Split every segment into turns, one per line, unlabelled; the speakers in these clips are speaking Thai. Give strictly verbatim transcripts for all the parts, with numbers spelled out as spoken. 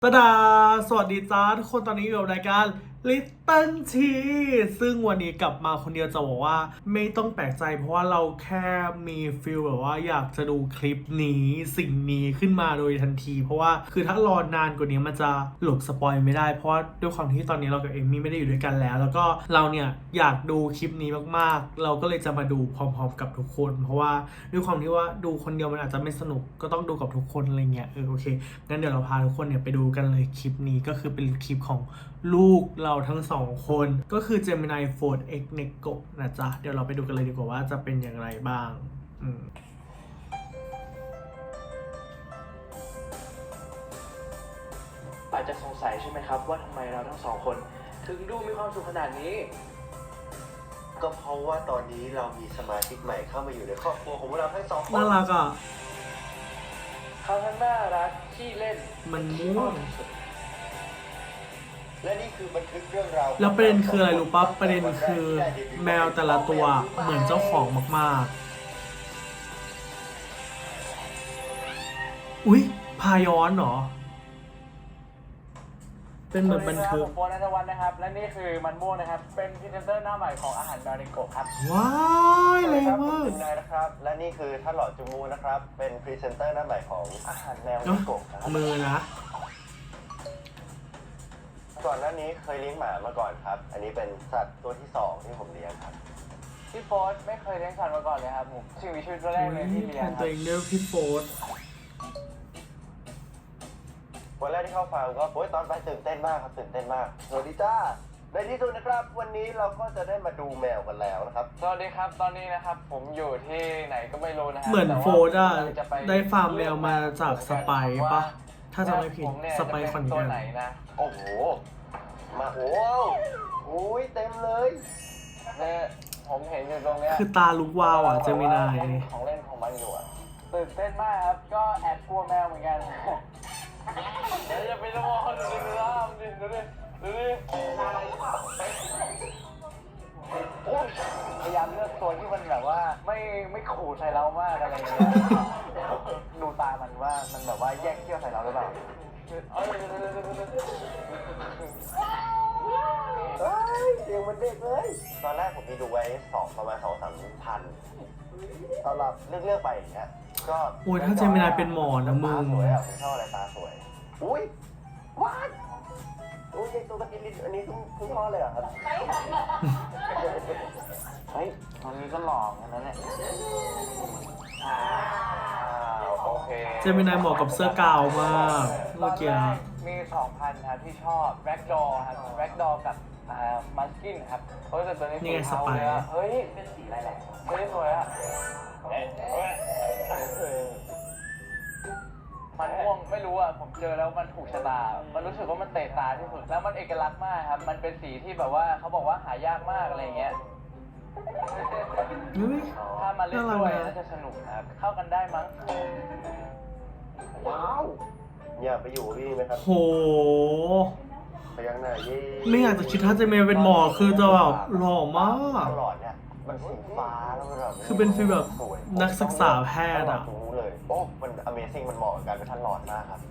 ตาดาสวัสดีจ้าทุกคนตอนนี้อยู่กับรายการ Little Tea ซึ่งวันนี้กลับมาคนเดียวจะบอกว่าไม่ต้องแปลกใจเพราะว่าเราแค่มีฟีลแบบว่าอยากจะดูคลิปนี้สิ่งนี้ขึ้นมาโดยทันที เพราะว่าคือถ้ารอนานกว่านี้มันจะหลบสปอยไม่ได้เพราะว่าด้วยความที่ตอนนี้เรากับเอมมี่ไม่ได้อยู่ด้วยกันแล้ว แล้วก็เราเนี่ยอยากดูคลิปนี้มากๆเราก็เลยจะมาดูพร้อมๆกับทุกคน เพราะว่าด้วยความที่ว่าดูคนเดียวมันอาจจะไม่สนุกก็ต้องดูกับทุกคนอะไรเงี้ยเออโอเคงั้นเดี๋ยวเราพาทุกคนเนี่ยไปดูกันเลยคลิปนี้ก็คือเป็นคลิปของลูกเราทั้งสองคนก็คือ Gemini Fold X Nego นะจ๊ะเดี๋ยวเราไปดูกันเลยดีกว่าว่าจะเป็นอย่างไรบ้างอืม
อาจจะสงสัยใช่ไหมครับว่าทำไมเราทั้งสองคนถึงดูมีความสุขขนาดนี้
ก็เพราะว่าตอนนี้เรามีสมาชิกใหม่เข้ามาอยู่ในครอบครัวของเราทั้งสองคน
น่ารักอ่ะ
เขาทั้งน่ารักขี้เล่น
มันม่วง
และนี่คือบันทึกเรื่องราว
แล้วประเด็นคืออะไรรู้ปะประเด็นคือแมวแต่ละตัวเหมือนเจ้าของมากๆอุ๊ยพาย้อนเหรอเป็นเหมือนบันทึก
ผมโฟนนัทวัฒน์นะครับและนี่คือมันม่วงนะครับเป็นพรีเซนเตอร์หน้าใหม่ของอาหารดาริโกะครับ
ว้ายแรงมาก
นายนะครับ และนี่คือท่านหลอดจูมูนะครับ เป็นพรีเซนเตอร์หน้าใหม่ของอาหารแมว
เนอะ
นิโกะครับ
มือนะ
ก่อนหน้านี้เคยเลี้ยงหมามาก่อนครับ อันนี้เป็นสัตว์ตัวที่สองที่ผมเลี้ยงครับ
พี่โฟนไม่เคยเลี้ยงสัตว์มาก่อนเลยครับผมชีวิตชีวิตตัวแรกเลยที่
แท
เลี้ยง
น
ค
ตั
รั
ว
บ
เองด้วยพี่โฟร์
วันแรกที่เข้าฟาร์มก็โอ้ยตอนไปตื่นเต้นมากครับตื่นเต้นมากสวัสดีจ้าในที่สุดนะครับ วันนี้เราก็จะได้มาดูแมวกันแล้วนะครับ
สวัสดีครับตอนนี้นะครับผมอยู่ที่ไหนก็ไม่รู้นะครั
เหมือน
แต่ว่า
โฟร์อะ
ผมจะป
ได้ฟาร์มแมวมาจากสไปร์ปะถ้าจะไม่ผิด
ผมเนี่ย
สไปร์
จะ
คอน
เป็
แก
ตัวน ไหนนะ
โอ้โห มาโอ้โหอุ้ยเต็มเลย
เนี่ยผมเห็นอยู่ตรงเนี้ย
คือตาลุกวาวอ่ะเจมินาย
ของเล่นของมันอยู่อะตื่นเต้นมากครับก็แอบกลัวแมวเหมือนกันเดี๋ยวจะไปละมอดูดิดูดิดูดิดูดิโอ้ยพยายามเลือกตัวที่มันแบบว่าไม่ไม่ขู่ใส่เรามากอะไรอย่างเงี้ยดูตามันว่ามันแบบว่าแยกเขี้ยวใส่เราหรือเปล่าเอ้ย
เฮ้ยเสียงมันเด็กเลย ตอนแรกผมมีดูไว้สองประมาณสองสามพันตอนเราเลือกเลือกไปอย่างเงี้ย ก็
โอ้ยถ้าเจมินายเป็นหมอนะมึ
ตาง สวยอ่ะผมชอบอะไรตาสวย อุ้ยวัดอุ้ยไอตัวกระติลินอันนี้คุณคุณพ่อเลยเหรอครับ
เฮ้ยตอนนี้ก็หล่อกันแล้วเนี่ยอ้าวโอเค
เจมินายเหมาะกับเสื้อกาวมากเมื่อกี้
ตนแรมีสองพันครับที่ชอบแร็กดอครับแร็กดอกับอ่ามัสกินครับเฮ้ยแต่ตัวนี้
นี่ไง
สีเทา
สไปร์
เลยอะเฮ้ยเป็นสีอะไรแหละเฮ้ยสวยอะเอ๊ะเอ๊ะมันม่วงไม่รู้อ่ะผมเจอแล้วมันถูกชะตา มันรู้สึกว่ามันเตะตาที่สุดแล้วมันเอกลักษณ์มากครับ มันเป็นสีที่แบบว่าเขาบอกว่าหายากมากอะไรอย่างเงี้ย
อุ๊ย
ถ้ามาเล่น
น่ารัก
ด้วย
นะ
น่าจะสนุกครับ เข้ากันได้มั้ง
ว้าวอยากไปอยู่กับพี่ไหมครับ
โห
พยักหน้าเย่
ไม่อยากจะคิดถ้าเจมินายเป็นหมอคือจะแบบหล่อมาก
ตลอดเนี่ยมันสีฟ้าแล้วมันแบบ
คือเป็นฟีลแบบ
สวย
นักศึกษาแพทย์อะ
ตรงนู้นเลย โอ้ มัน Amazing มันเหมาะกับการเป็นท่านหลอดมากครับ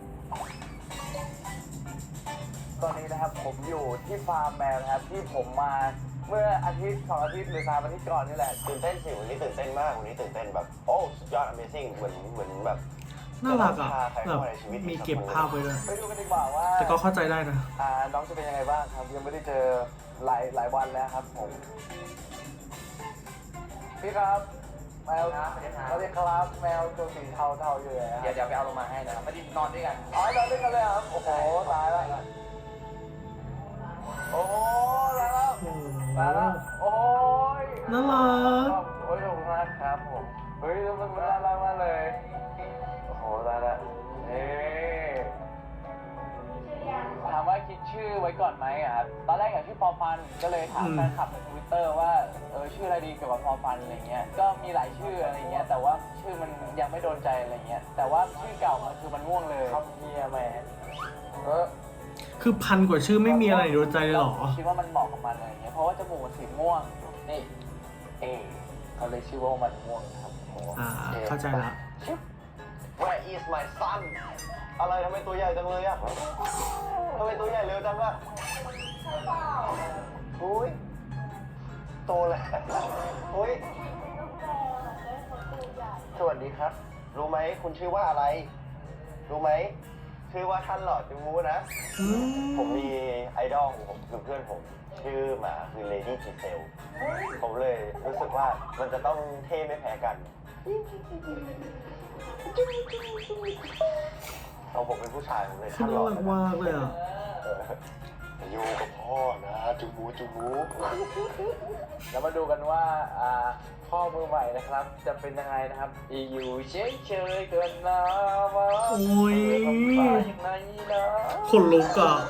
ตอนนี้นะครับผมอยู่ที่ฟาร์มแมวนะครับที่ผมมาเมื่ออาทิตย์สองอาทิตย์หรือสามอาทิตย์ก่อนนี่แหละ
ตื่นเต้นสิวันนี้ตื่นเต้นมาก วันนี้ตื่นเต้นแบบ โอ้ สุดยอด Amazing เหมือน เหมือนแบบ
น่ารักอ่ะ
พาใคร
แบ
เข้า
บ
มาในชีวิต
มีเก็บภาพไว้ด้วย
ไปดูกันดีกว่าว่า
แต่ก็เข้าใจได้นะ
อ่าน้องจะเป็นยังไงบ้างครับยังไม่ได้เจอหลายหลายวันแล้วครับผมพี่ครับแมวสวัสดีครับแมวตัวสีเทาเทาๆอยู่เลยครับ
เดี๋ยวเดี๋ยวไปเอาลงมาให้นะครับไม่ได้นอนด้วยกัน
อ๋อนอนด้วยกันเลยครับโอ้โหตายแล้วโอ้โหตายแล้ว
โอ้โห
ตายแล้วโอ้ย
น่ารัก
โอ้ยขอบคุณมากครับผมเฮ้ยมันน่ารักมากเลยโอ้โหตายแล้วนี่ถามว่าคิดชื่อไว้ก่อนไหมอะครับตอนแรกอยากชื่อปอฟันก็เลยถาม
อืม
แฟนคลับในทวิตเตอร์ว่าเออชื่ออะไรดีเกี่ยวกับปอฟันอะไรเงี้ยก็มีหลายชื่ออะไรเงี้ยแต่ว่าชื่อมันยังไม่โดนใจอะไรเงี้ยแต่ว่าชื่อเก่ามันคือมันม่วงเลยครับเฮียแมนเออ
คือพันกว่าชื่อไม่มีอะไรโดนใจเลยเหรอ
คิดว่ามันเหมาะกับมันอะไรเงี้ยเพราะว่าจมูกมันสีม่วงนี่เอเขาเลยชื่อว่ามันม่วงครับโอ้โห
อ่า เข้าใจละ
ชิบ
Where is my son อะไรทำไมตัวใหญ่จังเลยอะทำไมตัวใหญ่เร็วจังอะอุ้ยโตแล้วอุ้ยสวัสดีครับ รู้ไหมคุณชื่อว่าอะไร รู้ไหมชื่อว่าท่านหลอดจูมูนะ
อืม
ผมมีไอดอลของผมคือเพื่อนผม ชื่อหมาคือเลดี้จีเซลผมเลยรู้สึกว่ามันจะต้องเท่ไม่แพ้กันเอาผมเป็นผู้ชายผมเลย
คือ
ท่านหล
น่า
อด
รักมากเลยอ่ะ
อยู่กับพ่อนะจูมูจูมู
แล้วมาดูกันว่าอ่าพ่อมือใหม่นะครับ จะเป็นยังไงนะครับอยู่เฉยๆเกินนะวะ
โอ้ย
ทำฟ้าอย่างไรนะ
ขนลุกอ่ะ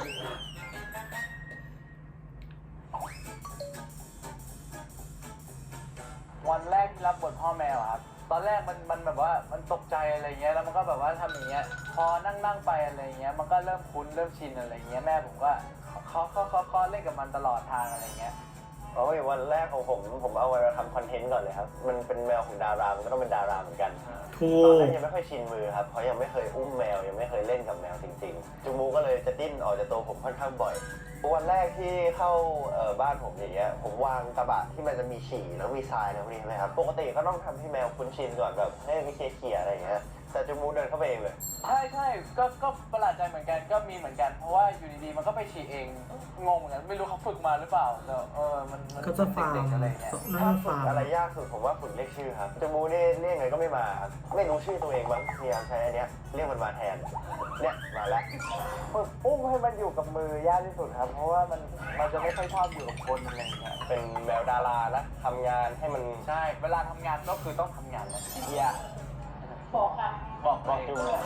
วันแรกที่รับบทพ่อแมวอะครับ ตอนแรกมันมันแบบว่ามันตกใจอะไรเงี้ย แล้วมันก็แบบว่าทำอย่างเงี้ย พอนั่งนั่งไปอะไรเงี้ย มันก็เริ่มคุ้นเริ่มชินอะไรเงี้ย แม่ผมก็เขาเขาเขาเขาเล่นกับมันตลอดทางอะไรเงี้ย
โอ้ยวันแรกของผมผมเอาไว้ทำคอนเทนต์ก่อนเลยครับ มันเป็นแมวของดารามันก็ต้องเป็นดาราเหมือนกัน
ถู
ตอน
ก
นั้นยังไม่ค่อยชินมือครับเพราะยังไม่เคยอุ้มแมวยังไม่เคยเล่นกับแมวจริงๆจูมูก็เลยจะดิ้นออกจากตัวผมค่อนข้างบ่อยวันแรกที่เข้าเอ่อบ้านผมอย่างเงี้ยผมวางกระบะที่มันจะมีฉี่แล้วมีทรายนะพวกนี้ใช่ไหมครับปกติก็ต้องทำให้แมวคุ้นชินก่อนแบบให้มีเคลียร์อะไรอย่างเงี้ยแต่จูมูเดินเข้าไปเองเลย
ใช่ใช่ก็ก็ประหลาดใจเหมือนกัน ก็มีเหมือนกัน เพราะว่าอยู่ดีๆ มันก็ไปฉี่เอง งงเหมือนกัน ไม่รู้เขาฝึกมาหรือเปล่าแต่เออ มันมัน
ก็จะฟัง
เด็กๆอะไรเงี้ย
น่า
ถ้า
จะ
ฝึ
ฟั
ก
ง
อะไรยากสุดผมว่าฝึกเรียกชื่อครับจูมูนี่เรียกไงก็ไม่มาครับไม่รู้ชื่อตัวเองบ้างพยายามใช้อันเนี้ยเรียกมันมาแทนเนี่ยมาแล้ว
ฝึกอุ้มให้มันอยู่กับมือยากที่สุดครับ เพราะว่ามันมันจะไม่ค่อยชอบอยู่กับคนอะไรเงี้ย
เป็นแมวดารานะทำงานให้มัน
ใช่ เวลาทำงานก็คือต้องทำงานเลย
เยี่ย
บอกค่ะ บอก
บอก
เอ
จู
ง
มู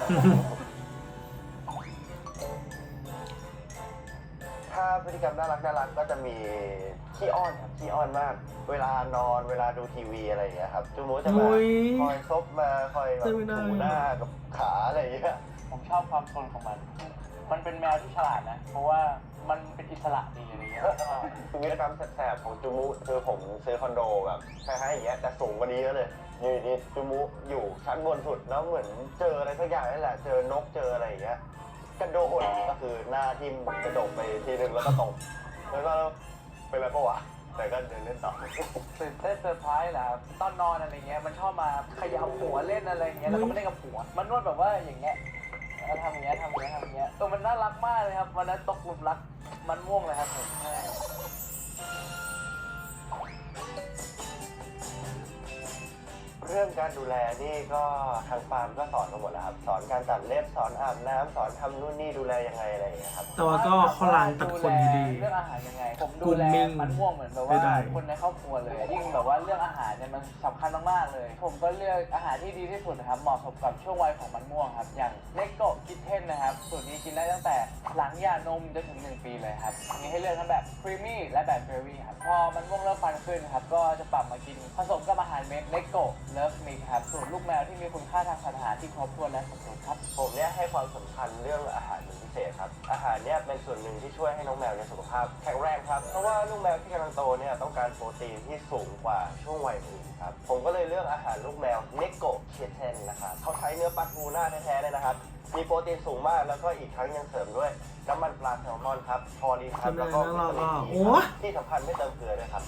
ถ้าพฤติกรรมน่ารักน่ารักก็จะมีขี้อ้อนครับขี้อ้อนมาก เวลานอนเวลาดูทีวีอะไรอย่างเงี้ยครับจูมูจะมา
โอ้ย
คอยซบมาคอยแบบ
เจมินา
ถูหน้ากับขาอะไรอย่างเงี้ย
ผมชอบความซนของมัน มันเป็นแมวที่ฉลาดนะ เพราะว่ามันเป็นอิสระดีอะไรเงี้ย
วิธีกรรมแสบๆของจูมูคือผมซื้อคอนโดแบบคล้ายๆอย่างเงี้ยแต่สูงกว่านี้เยอะเลยอยู่ดีๆจูมูอยู่ชั้นบนสุดแล้วเหมือนเจออะไรสักอย่างนี่แหละเจอนกเจออะไรอย่างเงี้ยกระโดดก็คือหน้าทิ่มกระโดดไปทีนึงแล้วก็ตกแล้วก็เป็นอะไรปะวะแต่ก็เดินเล่นต่อ
ตื่นเต้นเซอร์ไพรส์แหละครับตอนนอนอะไรเงี้ย มันชอบมาเขย่าหัวเล่นอะไรเงี้ย แล้วก็ไม่เล่นกับหัว มันนวดแบบว่าอย่างเงี้ยแล้วทำอย่างเงี้ยทำอย่างเงี้ยทำอย่างเงี้ยเออมันน่ารักมากเลยครับ วันนั้นตกหลุมรักมันม่วงเลยครับผมใช่
เรื่องการดูแลนี่ก็ทางฟาร์มก็สอนมาหมดแล้วครับสอนการตัดเล็บสอนอาบน้ำสอนทำนู่นนี่ดูแลยังไงอะไรอย่างเงี้ยครับ
แต่ว่าก็เขาล้างตัดขนดี
เรื่องอาหารยังไง ผมดูแล
Grooming
มันม่วงเหมือนแบบ
ไม่
ว่า
ได้
คนในครอบครัวเลย ยิ่งแบบว่าเรื่องอาหารเนี่ยมันสำคัญมากๆเลย ผมก็เลือกอาหารที่ดีที่สุดนะครับ เหมาะสมกับช่วงวัยของมันม่วงครับ อย่างเลโกะคิทเทนนะครับ สูตรนี้กินได้ตั้งแต่หลังหย่านมจนถึงหนึ่งปีเลยครับ มีให้เลือกทั้งแบบครีมมี่และแบบเบอร์รี่ครับ พอมันม่วงเริ่มฟันขึ้นครับ ก็จะปรับมากินผสมกับอาหารเม็ดเลโกะเลิฟมิกครับ สูตรลูกแมวที่มีคุณค่าทางสารอาหารที่ครบถ้วนและสมดุลครับ
ผมเนี่ยให้ความสำคัญเรื่องอาหารเป็นพิเศษครับอาหารเนี่ยเป็นส่วนหนึ่งที่ช่วยให้น้องแมวเนี่ยสุขภาพแข็งแรงครับเพราะว่าลูกแมวที่กำลังโตเนี่ยต้องการโปรตีนที่สูงกว่าช่วงวัยอื่นครับผมก็เลยเลือกอาหารลูกแมวเนโกะเคียเทนนะครับเขาใช้เนื้อปลาทูน่าแท้ๆเลยนะครับมีโปรตีนสูงมากแล้วก็อีกทั้งยังเสริมด้วยน้ำมันปลาแซลมอนครับพอลีนครับแล้วก็วิตามิน
โอ้
อีครับที่สำคัญไม่เติมเกลือด้วยครับ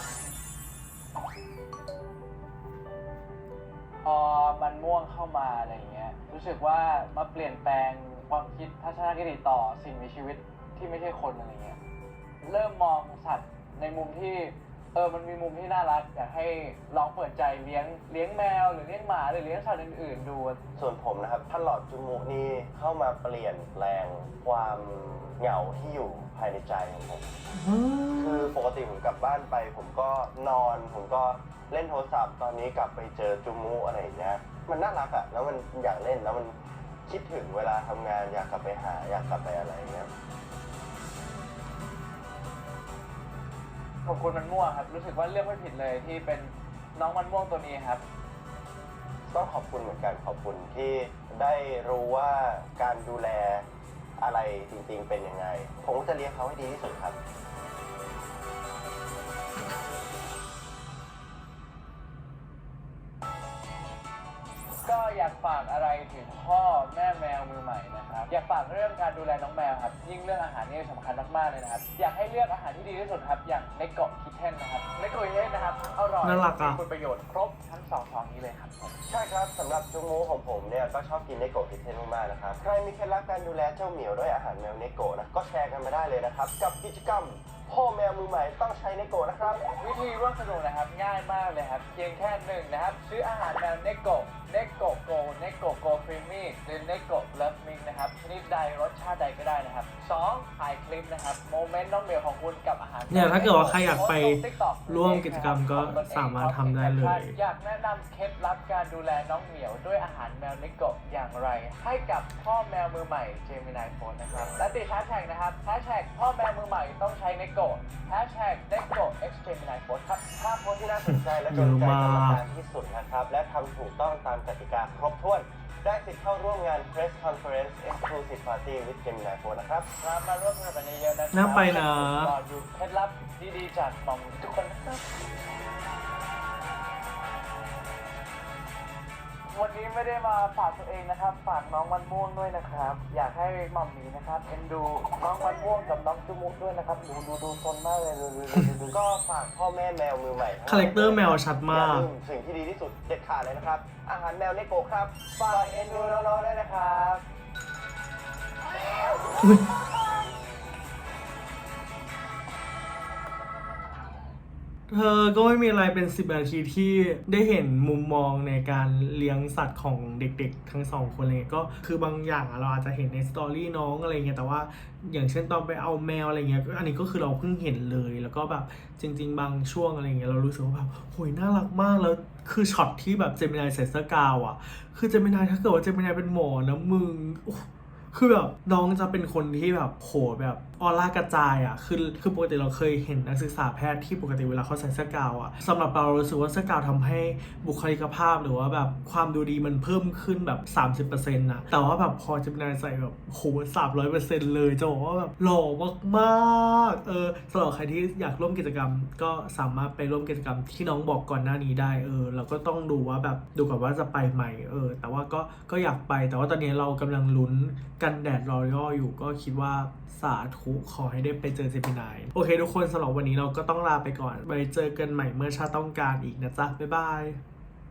พอมันม่วงเข้ามาอะไรอย่างเงี้ย รู้สึกว่ามาเปลี่ยนแปลงความคิดทัศนคติต่อสิ่งมีชีวิตที่ไม่ใช่คนอะไรเงี้ย เริ่มมองสัตว์ในมุมที่เออมันมีมุมที่น่ารักอยากให้ลองเปิดใจเลี้ยงเลี้ยงแมวหรือเลี้ยงหมาหรือเลี้ยงสัตว์อื่นๆดู
ส่วนผมนะครับท่านหลอดจูมูนี่เข้ามาเปลี่ยนแปลงความเหงาที่อยู่ภายในใจของผม คือปกติผมกลับบ้านไป ผมก็นอน ผมก็เล่นโทรศัพท์ตอนนี้กลับไปเจอจูมูอะไรอย่างเงี้ยมันน่ารักอะแล้วมันอยากเล่นแล้วมันคิดถึงเวลาทำงานอยากกลับไปหาอยากกลับไปอะไรอย่างเงี้ย
ขอบคุณมันม่วงครับ รู้สึกว่าเลือกไม่ผิดเลยที่เป็นน้องมันม่วงตัวนี้ครับ
ต้องขอบคุณเหมือนกันขอบคุณที่ได้รู้ว่าการดูแลอะไรจริงๆเป็นยังไง ผมก็จะเลี้ยงเขาให้ดีที่สุดครับ
ก็อยากากฝากอะไรถึงพ่อแม่แมวมือใหม่นะครับอยากฝากเรื่องการดูแลน้องแมวครับยิ่งเรื่องอาหารนี่สำคัญมากๆเลยนะครับอยากให้เลือกอาหารที่ดีที่สุดครับอย่างในเกาะคิทเทนนะครับในเกาะคิทเทนนะครับอร่อย
น่ารักอะ
มีคุณประโยชน์ครบทั้งสองท้องนี้เลยครับ
ใช่ครับสำหรับจุงมูของผมเนี่ยก็ชอบกินเนโกะคิทเทนมากๆนะครับใครมีเคล็ดลับการดูแลเจ้าเหมียวด้วยอาหารแมวเนโกะนะก็แชร์กันมาได้เลยนะครับกับกิจกรรมพ่อแมวมือใหม่ต้องใช้เนโกะนะครับ
วิธีร่วมสนุกนะครับง่ายมากเลยครับเพียงแค่หนึ่งนะครับซื้ออาหารแมวเนโกะเนโกะโกเนโกะโกครีมมี่หรือเนโกะเลิฟมิงนะครับชนิดใดรสชาติใดก็ได้นะครับสองถ่ายคลิปนะครับโมเมนต์น้องเหมียวของคุณกับอาหาร
เนี่ยถ้าเกิดว่าใครอยากไป
โพสต์ลง TikTok
ร่วมกิจกรรมก็สามารถทำได้เลย
อยากแนะนำเคล็ดลับการดูแลน้องเหมียวด้วยอาหารแมวเนโกะอย่างไร ให้กับพ่อแมวมือใหม่เจมินายโฟนนะครับและติดแฮชแท็กนะครับแฮชแท็กพ่อแมวมือใหม่ต้องใช้เนโกะแฮชแท็กเนโกะ x เจมินายโฟนครับ
ถ้าโพสต์ที่น่าสนใจและโดนใจกรรมการที่สุดนะครับและทำถูกต้องตามกติกาครบถ้วนได้สิทธิ์เข้าร่วมงาน Press Conference Exclusive Party with Gemini Four นะครับ
มามาร่วมสนุกกันเยอะๆนะครับ
น่าไปนะ
รอดูเคล็ดลับดีๆจากหม่อมทุกคนนะครับวันนี้ไม่ได้มาฝากตัวเองนะครับ ฝากน้องมันม่วงด้วยนะครับ อยากให้หม่อมหมีนะครับเอ็นดูน้องมันม่วงกับน้องจุมุกด้วยนะครับ ดูดูดูซนมากเลยดูดูดูดูดู
ก็ฝากพ่อแม่แมวมือใหม่ทั้งหลย
คาแรคเตอร์แมวชัดมาก
อย่ลืสิ่งที่ดีที่สุดเด็ดขาดเลยนะครับ อาหารแมวเนโกะครับฝากเอ็นดูน้องๆด้วยนะครับ
เธอก็ไม่มีอะไรเป็นสิบนาทีที่ได้เห็นมุมมองในการเลี้ยงสัตว์ของเด็กๆทั้งสองคนเลยก็คือบางอย่างอะเราอาจจะเห็นในสตอรี่น้องอะไรเงี้ยแต่ว่าอย่างเช่นตอนไปเอาแมวอะไรเงี้ยอันนี้ก็คือเราเพิ่งเห็นเลยแล้วก็แบบจริง ๆ บางช่วงอะไรเงี้ยเรารู้สึกว่าแบบโหยน่ารักมากแล้วคือช็อตที่แบบเจมินายใส่เสื้อกาวอะคือเจมินายถ้าเกิดว่าเจมินายเป็นหมอนะมึงคือแบบน้องจะเป็นคนที่แบบโหแบบออร่ากระจายอ่ะคือคือปกติเราเคยเห็นนักศึกษาแพทย์ที่ปกติเวลาเขาใส่เสื้อกาวอ่ะสำหรับเรารู้สึกว่าเสื้อกาวทำให้บุคลิกภาพหรือว่าแบบความดูดีมันเพิ่มขึ้นแบบ สามสิบเปอร์เซ็นต์ นะแต่ว่าแบบพอเจมินายใส่แบบโหสามร้อยเปอร์เซ็นต์เลยจะบอกว่าแบบหล่อมากๆเออสำหรับใครที่อยากร่วมกิจกรรมก็สามารถไปร่วมกิจกรรมที่น้องบอกก่อนหน้านี้ได้เออเราก็ต้องดูว่าแบบดูก่อนว่าจะไปไหมเออแต่ว่าก็ก็อยากไปแต่ว่าตอนนี้เรากำลังลุ้นกันแดดรอยัลอยู่ก็คิดว่าสาธุขอให้ได้ไปเจอเจมินายโอเคทุกคนสำหรับวันนี้เราก็ต้องลาไปก่อนไว้เจอกันใหม่เมื่อชาติต้องการอีกนะจ๊ะบ๊ายบาย